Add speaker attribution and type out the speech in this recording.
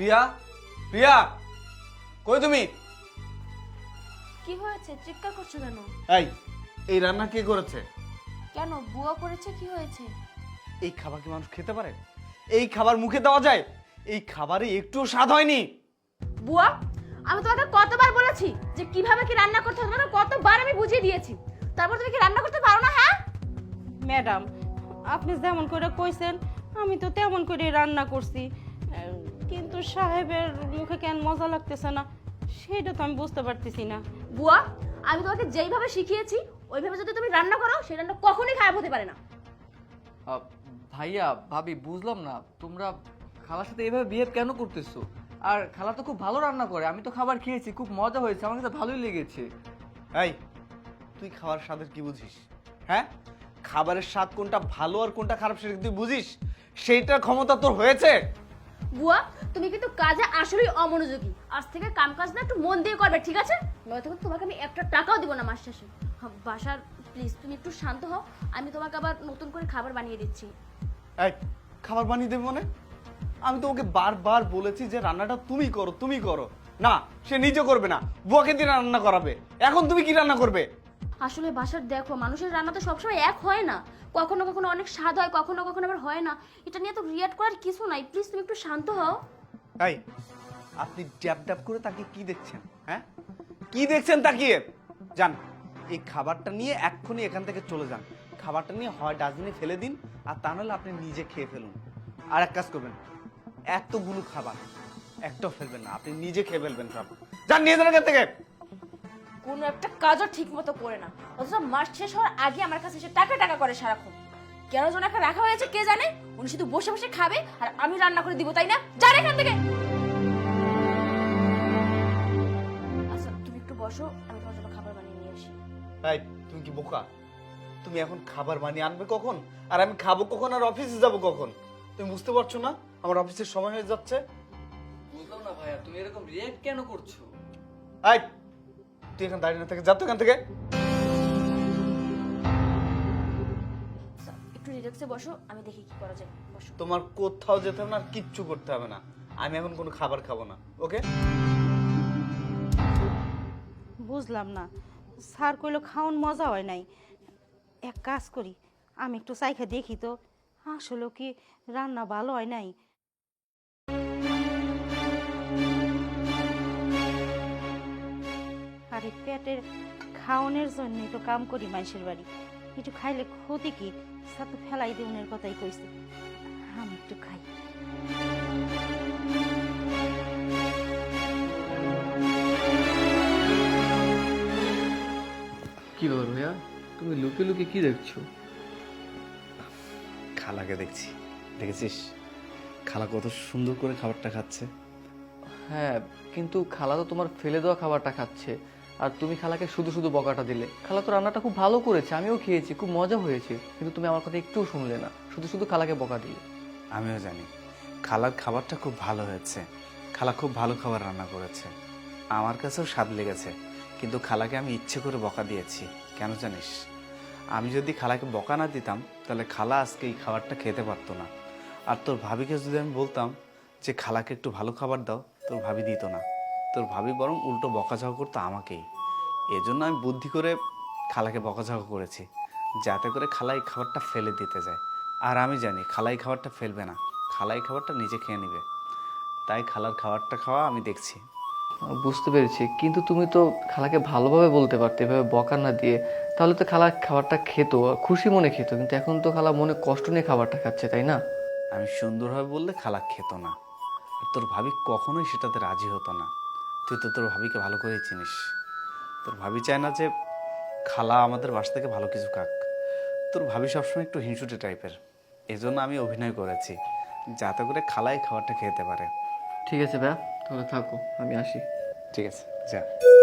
Speaker 1: প্রিয়া, প্রিয়া, কই তুমি?
Speaker 2: কি হয়েছে? চিৎকার করছো কেন?
Speaker 1: এই রান্না কে করেছে?
Speaker 2: কেন, বুয়া করেছে? কি হয়েছে?
Speaker 1: এই খাবার কি মানুষ খেতে পারে? এই খাবার মুখে দেওয়া যায়? এই খাবারে একটুও স্বাদ হয়নি।
Speaker 2: বুয়া, আমি তোমাকে কতবার বলেছি যে কিভাবে কি রান্না করতে হবে, তোমাকে কতবার আমি বুঝিয়ে দিয়েছি, তারপর তুমি কি রান্না করতে পারো না? হ্যাঁ
Speaker 3: ম্যাডাম, আপনি যেমন করে কইছেন আমি তো তেমন করে রান্না করছি, কিন্তু সাহেবের মুখে কেন মজা লাগতেছে না সেটা তো আমি বুঝতে পারতেছি না।
Speaker 2: বুয়া, আমি তোমাকে যেইভাবে শিখিয়েছি ওইভাবে যদি তুমি রান্না করো, সেই রান্না কখনোই খারাপ হতে পারে না।
Speaker 4: ভাইয়া ভাবি বুঝলাম না, তোমরা খালার সাথে এইভাবে বিহেভ কেন করতেছো? আর খালা তো খুব ভালো রান্না করে, আমি তো খাবার খেয়েছি, খুব মজা হয়েছে, আমার কাছে ভালোই লেগেছে।
Speaker 1: এই, তুই খাবার স্বাদের কি বুঝিস? হ্যাঁ, খাবারের স্বাদ কোনটা ভালো আর কোনটা খারাপ সেটা তুই বুঝিস? সেইটার ক্ষমতা তোর হয়েছে?
Speaker 2: বুয়া, তুমি কিন্তু কাজে আসলেই অমনোযোগী। আজ থেকে কাম কাজ না একটু মন দিয়ে করবে, ঠিক আছে? নয়তো কিন্তু তোমাকে আমি একটা টাকাও দিব না মাস শেষে। বাসার প্লিজ তুমি একটু শান্ত হও, আমি তোমাকে আবার নতুন করে খাবার বানিয়ে দিচ্ছি।
Speaker 1: এই, খাবার বানিয়ে দেবে মানে? আমি তো ওকে বারবার বলেছি যে রান্নাটা তুমি করো, তুমি করো। না, সে নিজে করবে না, বুয়াকে দিয়ে রান্না করাবে। এখন তুমি কি রান্না করবে?
Speaker 2: আসলে বাসার দেখো, মানুষের রান্না তো সবসময় এক হয় না, কখনো কখনো অনেক স্বাদ হয়, কখনো কখনো আবার হয় না। এটা নিয়ে তো রিয়াক্ট করার কিছু নাই, প্লিজ তুমি একটু শান্ত হও।
Speaker 1: এই, আপনি ড্যাব ড্যাব করে তাকে কি দেখছেন? হ্যাঁ, কি দেখছেন তাকিয়ে? যান, এই খাবারটা নিয়ে এক্ষুনি এখান থেকে চলে যান। খাবারটা নিয়ে হয় ডাস্টবিনে ফেলে দিন, আর তা নাহলে আপনি নিজে খেয়ে ফেলুন। আর এক কাজ করবেন, এতগুলো খাবার একটাও ফেলবেন না, আপনি নিজে খেয়ে ফেলবেন সব। যান, নিয়ে যান এখান থেকে।
Speaker 2: কোনো একটা কাজও ঠিক মতো করে না, অথচ মাস শেষ হওয়ার আগে আমার কাছে এসে টাকা টাকা করে সারাক্ষণ। কেন যেন একটা রাখা হয়েছে কে জানে, উনি শুধু বসে বসে খাবে আর আমি রান্না করে দিব, তাই না? যান এখান থেকে। আচ্ছা তুমি একটু বসো, আমি তোমার জন্য খাবার বানিয়ে নিয়ে আসি।
Speaker 1: এই, তুমি কি বোকা? তুমি এখন খাবার বানিয়ে আনবে কখন, আর আমি খাবো কখন, আর অফিসে যাব কখন? তুমি বুঝতে পারছো না আমার অফিসের সময় হয়ে যাচ্ছে?
Speaker 4: বুঝলাম না ভাইয়া, তুমি এরকম রিয়েক্ট কেন করছো?
Speaker 1: এই, তুই এখানে দাঁড়িয়ে না থেকে যা তো এখান থেকে।
Speaker 2: আচ্ছা, একটু রিল্যাক্সে বসো, আমি দেখি কি করা যায়। বসো।
Speaker 1: তোমার কোথাও যেতে হবে না, আর কিচ্ছু করতে হবে না। আমি এখন কোনো খাবার খাবো না, ওকে?
Speaker 3: বুঝলাম না, স্যার কইলো খাওন মজা হয় নাই। এক কাজ করি, আমি একটু চাইখা দেখি তো আসলে কি রান্না ভালো হয় নাই। আরে পেটের খাওনের জন্যই তো কাম করি মানুষের বাড়ি, একটু খাইলে ক্ষতি কি? স্যার তো ফেলাই দেউনের কথাই কইছে, আমি একটু খাই।
Speaker 4: কি ব্যাপার ভাইয়া, তুমি লুকিয়ে লুকিয়ে কি দেখছো?
Speaker 1: খালাকে দেখছি। দেখেছিস খালা কত সুন্দর করে খাবারটা খাচ্ছে?
Speaker 4: হ্যাঁ, কিন্তু খালা তো তোমার ফেলে দেওয়া খাবারটা খাচ্ছে, আর তুমি খালাকে শুধু শুধু বকাটা দিলে। খালা তো রান্নাটা খুব ভালো করেছে, আমিও খেয়েছি, খুব মজা হয়েছে, কিন্তু তুমি আমার কথা একটুও শুনলে না, শুধু শুধু খালাকে বকা দিলে।
Speaker 1: আমিও জানি খালার খাবারটা খুব ভালো হয়েছে, খালা খুব ভালো খাবার রান্না করেছে, আমার কাছেও স্বাদ লেগেছে। কিন্তু খালাকে আমি ইচ্ছে করে বকা দিয়েছি, কেন জানিস? আমি যদি খালাকে বকা না দিতাম তাহলে খালা আজকে এই খাবারটা খেতে পারতো না। আর তোর ভাবিকে যদি আমি বলতাম যে খালাকে একটু ভালো খাবার দাও, তোর ভাবি দিত না। তোর ভাবি বরং উল্টো বকাঝকা করতো আমাকেই। এজন্য আমি বুদ্ধি করে খালাকে বকাঝকা করেছি, যাতে করে খালা এই খাবারটা ফেলে দিতে যায়। আর আমি জানি খালা এই খাবারটা ফেলবে না, খালা এই খাবারটা নিজে খেয়ে নেবে। তাই খালার খাবারটা খাওয়া আমি দেখছি।
Speaker 4: বুঝতে পেরেছি, কিন্তু তুমি তো খালাকে ভালোভাবে বলতে পারতে, এভাবে বকা না দিয়ে। তাহলে তো খালা খাবারটা খেত, খুশি মনে খেত, কিন্তু এখন তো খালা মনে কষ্ট নিয়ে খাবারটা খাচ্ছে, তাই না?
Speaker 1: আমি সুন্দরভাবে বললে খালা খেত না, আর তোর ভাবি কখনোই সেটাতে রাজি হতো না। তুই তো তোর ভাবিকে ভালো করেই চিনিস। তোর ভাবি চায় না যে খালা আমাদের বাসা থেকে ভালো কিছু খাক। তোর ভাবি সবসময় একটু হিংসুটে টাইপের। এজন্য আমি অভিনয় করেছি, যাতে করে খালাই খাবারটা খেতে পারে।
Speaker 4: ঠিক আছে ভাইয়া, তাহলে থাকো, আমি আসি।
Speaker 1: ঠিক আছে, যা।